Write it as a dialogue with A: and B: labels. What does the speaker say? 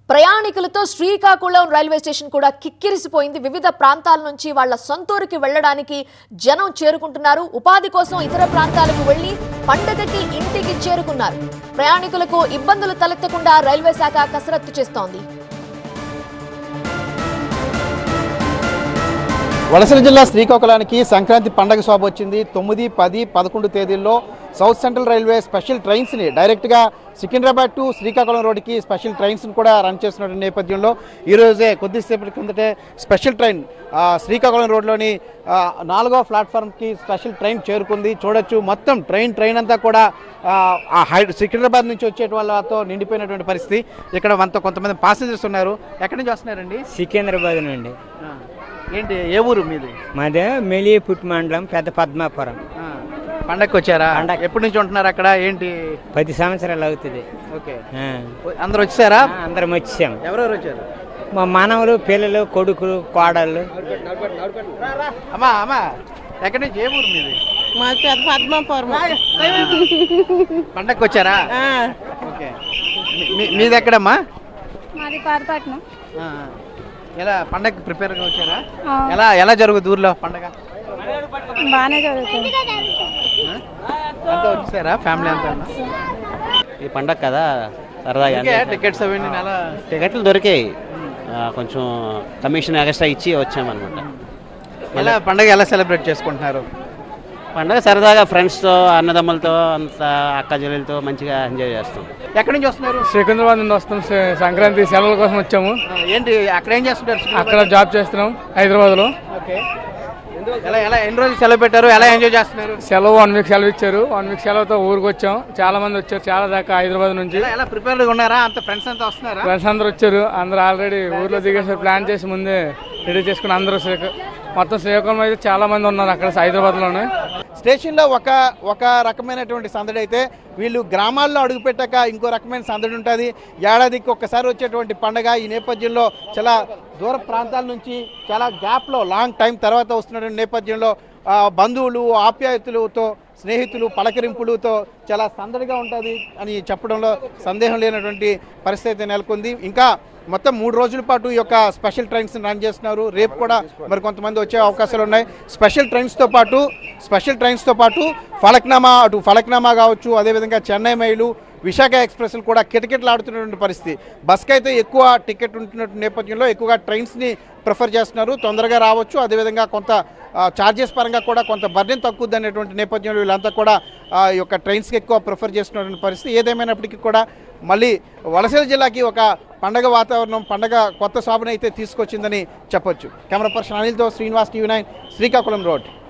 A: ప్రయాణికులతో Srikakulam railway station కూడా కిక్కిరిసిపోయింది. వివిధ ప్రాంతాల నుంచి వాళ్ళ సొంతూరుకి వెళ్లడానికి జనం చేరుకుంటున్నారు. ఉపాధి కోసం ఇతర ప్రాంతాలకు వెళ్లి పండగకి ఇంటికి చేరుకున్నారు. ప్రయాణికులకు ఇబ్బందులు తలెత్తకుండా రైల్వే శాఖ కసరత్తు చేస్తోంది.
B: వలసల జిల్లా శ్రీకాకుళానికి సంక్రాంతి పండగ శోభ వచ్చింది. 9, 10, 11 తేదీల్లో సౌత్ సెంట్రల్ రైల్వే స్పెషల్ ట్రైన్స్ని డైరెక్ట్గా సికింద్రాబాద్ టు శ్రీకాకుళం రోడ్డుకి స్పెషల్ ట్రైన్స్ని కూడా రన్ చేస్తున్న నేపథ్యంలో ఈరోజే కొద్దిసేపటి కిందటే స్పెషల్ ట్రైన్ శ్రీకాకుళం రోడ్లోని 4వ ప్లాట్ఫామ్కి స్పెషల్ ట్రైన్ చేరుకుంది. చూడొచ్చు, మొత్తం ట్రైన్ అంతా కూడా సికింద్రాబాద్ నుంచి వచ్చే వాళ్ళతో నిండిపోయినటువంటి పరిస్థితి. ఇక్కడ మనతో కొంతమంది ప్యాసింజర్స్ ఉన్నారు. ఎక్కడి నుంచి వస్తున్నారండి?
C: సికింద్రాబాద్ నుండి.
B: ఏంటి, ఏ ఊరు మీది?
C: మాదే మెలిపుట్ మండలం, పెద్ద పద్మాపురం.
B: పండగకి వచ్చారా? ఎప్పటి నుంచి ఉంటున్నారు అక్కడ? ఏంటి,
C: 10 సంవత్సరాలు అవుతుంది.
B: ఓకే, అందరు వచ్చారా?
C: అందరం వచ్చాం.
B: ఎవరెవరు వచ్చారు?
C: మా మనవలు, పిల్లలు, కొడుకులు, కోడళ్ళు.
B: అమ్మా ఎక్కడి నుంచి, ఏ ఊరు మీది?
D: మా పెద్ద పద్మాపురం.
B: పండగకి వచ్చారా? ఓకే, మీది ఎక్కడమ్మా?
D: మాది పాతపట్నం.
B: ఎలా పండగకి ప్రిపేర్గా వచ్చారా? ఎలా జరుగుతుంది ఊర్లో పండగ?
D: బాగానే జరుగుతుంది.
B: అంతా వచ్చారా ఫ్యామిలీ అంతా?
E: ఈ పండగ కదా సరదాగా
B: టికెట్స్ అవన్నీ
E: టికెట్లు దొరికాయి. కొంచెం కమిషన్ ఎక్స్ట్రా ఇచ్చి వచ్చామన్నమాట.
B: ఎలా పండగ ఎలా సెలబ్రేట్ చేసుకుంటున్నారు?
E: పండగ సరదాగా ఫ్రెండ్స్తో, అన్నదమ్ములతో, అంత అక్క చెల్లెలతో మంచిగా ఎంజాయ్ చేస్తాం.
B: ఎక్కడి నుంచి వస్తున్నారు?
F: సికింద్రాబాద్ నుండి వస్తాం. సంక్రాంతి సెలవుల కోసం వచ్చాము.
B: ఏంటి అక్కడ ఏం చేస్తుంటారు?
F: అక్కడ జాబ్ చేస్తున్నాం హైదరాబాద్లో.
B: ఓకే, ఎన్ని రోజులు సెలవు పెట్టారు? ఎలా ఎంజాయ్ చేస్తున్నారు?
F: సెలవు 1 వీక్ సెలవు ఇచ్చారు. 1 వీక్ సెలవుతో ఊరికి వచ్చాం. చాలా మంది వచ్చారు, చాలా దాకా హైదరాబాద్ నుంచి.
B: ఎలా ప్రిపేర్గా ఉన్నారా? అంత ఫ్రెండ్స్ అంతా వస్తున్నారా?
F: ఫ్రెండ్స్ అందరూ వచ్చారు. అందరూ ఆల్రెడీ ఊర్లో దిగేసారు. ప్లాన్ చేసి ముందే రెడీ చేసుకుని అందరూ మొత్తం శ్రీకాకుళం అయితే చాలా మంది ఉన్నారు అక్కడ హైదరాబాద్లోనే.
B: స్టేషన్లో ఒక రకమైనటువంటి సందడి అయితే వీళ్ళు గ్రామాల్లో అడుగుపెట్టాక ఇంకో రకమైన సందడి ఉంటుంది. ఏడాదికి ఒక్కసారి వచ్చేటువంటి పండగ. ఈ నేపథ్యంలో చాలా దూర ప్రాంతాల నుంచి చాలా గ్యాప్లో లాంగ్ టైం తర్వాత వస్తున్నటువంటి నేపథ్యంలో బంధువులు, ఆప్యాయతలతో, స్నేహితులు, పలకరింపులతో చాలా సందడిగా ఉంటుంది అని చెప్పడంలో సందేహం లేనటువంటి పరిస్థితి నెలకొంది. ఇంకా మొత్తం 3 రోజుల పాటు ఈ యొక్క స్పెషల్ ట్రైన్స్ రన్ చేస్తున్నారు. రేపు కూడా మరి కొంతమంది వచ్చే అవకాశాలు ఉన్నాయి. స్పెషల్ ట్రైన్స్తో పాటు ఫలక్నామా కావచ్చు, అదేవిధంగా చెన్నై మైలు, విశాఖ ఎక్స్ప్రెస్లు కూడా కిటకిటలాడుతున్నటువంటి పరిస్థితి. బస్కి అయితే ఎక్కువ టికెట్ ఉంటున్న నేపథ్యంలో ఎక్కువగా ట్రైన్స్ని ప్రిఫర్ చేస్తున్నారు. తొందరగా రావచ్చు, అదేవిధంగా కొంత ఛార్జెస్ పరంగా కూడా కొంత బర్డెన్ తక్కువది అనేటువంటి నేపథ్యంలో వీళ్ళంతా కూడా ఈ యొక్క ట్రైన్స్కి ఎక్కువ ప్రిఫర్ చేస్తున్నటువంటి పరిస్థితి. ఏదేమైనప్పటికీ కూడా మళ్ళీ వలసల జిల్లాకి ఒక పండగ వాతావరణం, పండగ కొత్త శోభను అయితే తీసుకొచ్చిందని చెప్పొచ్చు. కెమెరా పర్సన్ అనిల్తో శ్రీనివాస్, TV9 శ్రీకాకుళం రోడ్.